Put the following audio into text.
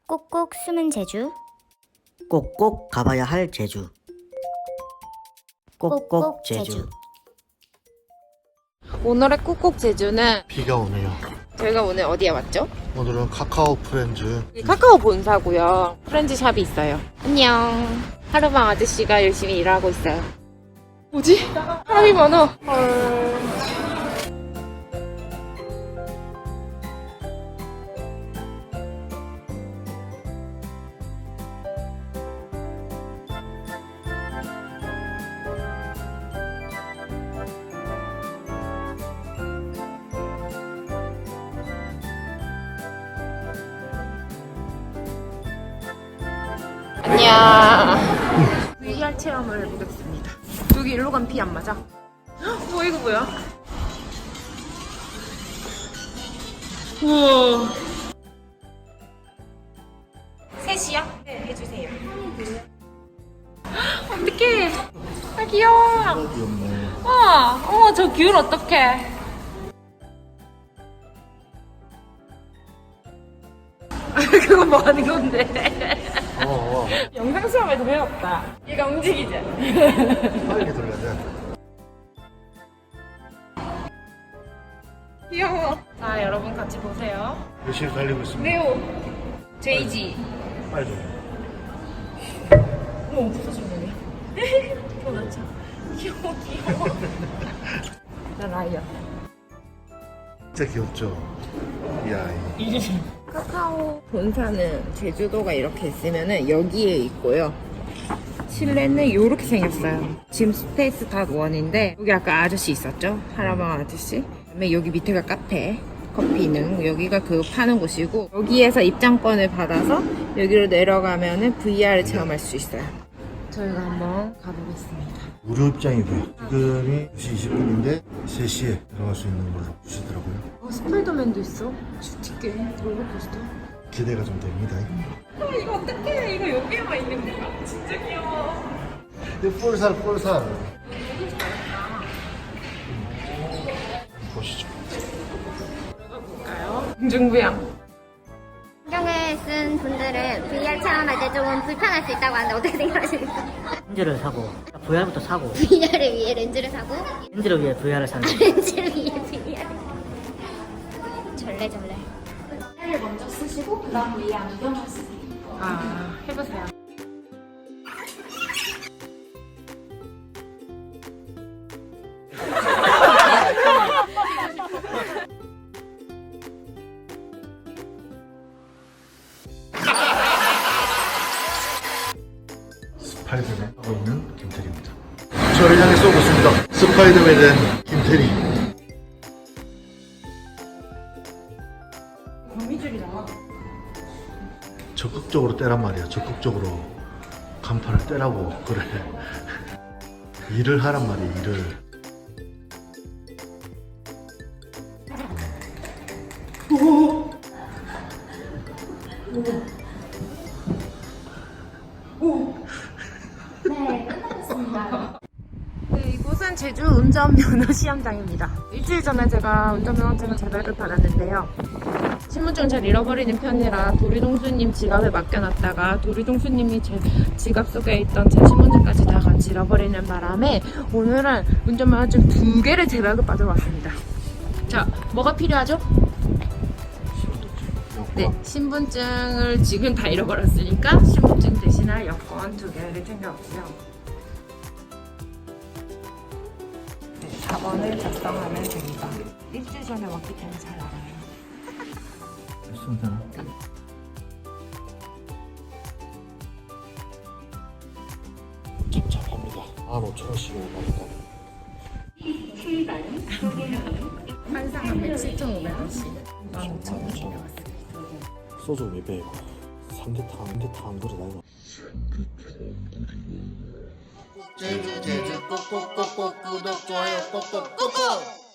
꼭꼭 숨은 제주. 꼭꼭 가봐야 할 제주. 꼭꼭 제주. 오늘의 꾹꾹 제주는 비가 오네요. 저희가 오늘 어디에 왔죠? 오늘은 카카오 프렌즈. 카카오 본사고요. 프렌즈 샵이 있어요. 안녕. 하루방 아저씨가 열심히 일하고 있어요. 뭐지? 사람이 많아. 헐. 안녕. VR 체험을 해보겠습니다. 여기 일로 가면 비 안 맞아? 뭐 이거 뭐야? 우와. 3시야? 네, 해주세요. 어떡해. 아, 귀여워. 귀엽네. 어머, 저 귤 어떡해. 그건 뭐 하는 건데? 영상 수업에서 배웠다. 얘가 움직이지? 빨리 돌려야 돼. 귀여워. 자, 여러분 같이 보세요. 열심히 달리고 있습니다. 네오. 제이지. 빨리 돌려. 어머, 부서지네. 도대체. 귀여워. 나 라이언. 진짜 귀엽죠? 이 아이. 카카오 본사는 제주도가 이렇게 있으면은 여기에 있고요. 실내는 이렇게 생겼어요. 지금 스페이스 닷 원인데 여기 아까 아저씨 있었죠? 하라방 아저씨. 그다음에 여기 밑에가 카페, 커피는 여기가 그 파는 곳이고 여기에서 입장권을 받아서 여기로 내려가면은 VR을 체험할 수 있어요. 저희가 한번 가보겠습니다. 무료 입장이고요. 지금이 2시 20분인데 3시에 들어갈 수 있는 걸로 주시더라고요. 스파이더맨도 있어. 슈티게 롤러코스터. 기대가 좀 됩니다. 이거 어떡해. 이거 여기에만 있는 거야. 진짜 귀여워. 근데 폴살. 보시죠. 볼까요? 공중부양. 안경을 쓴 분들은 VR 체험할 때 조금 불편할 수 있다고 하는데 어떻게 생각하십니까? 렌즈를 사고 VR부터 사고 VR을 위해 렌즈를 사고 렌즈를 위해 VR을 사는 렌즈를 위해 VR. 절레절레. 아, 해보세요. 스파이더맨 하고 있는 김태리입니다. 저를 향해 쏘고 있습니다. 스파이더맨 된 김태리. 거미줄이 나와. 적극적으로 떼란 말이야. 적극적으로 간판을 떼라고 그래. 일을 하란 말이야. 일을. 네, 이곳은 제주 운전면허 시험장입니다. 일주일 전에 제가 운전면허증을 재발급 받았는데요. 신분증을 잘 잃어버리는 편이라 도리동수님 지갑에 맡겨놨다가 도리동수님이 제 지갑 속에 있던 제 신분증까지 다 같이 잃어버리는 바람에 오늘은 운전면허증 2개를 재발급 받으러 왔습니다. 자, 뭐가 필요하죠? 네, 신분증을 지금 다 잃어버렸으니까 신분증 대신할 여권 2개를 챙겨왔고요. 네, 4번을 작성하면 됩니다. 일주일 전에 왔기 때문에 잘 알아요. 맞습니다. 착착합니다. 15,000원씩을 받았다. 환상하면 7,500원씩 15,000원 챙겨왔습니다. 소주 200. 삼계탕 그래 나이가. 제주 꼭꼭꼭꼭 구독 좋아요 꼭꼭 꾹꾹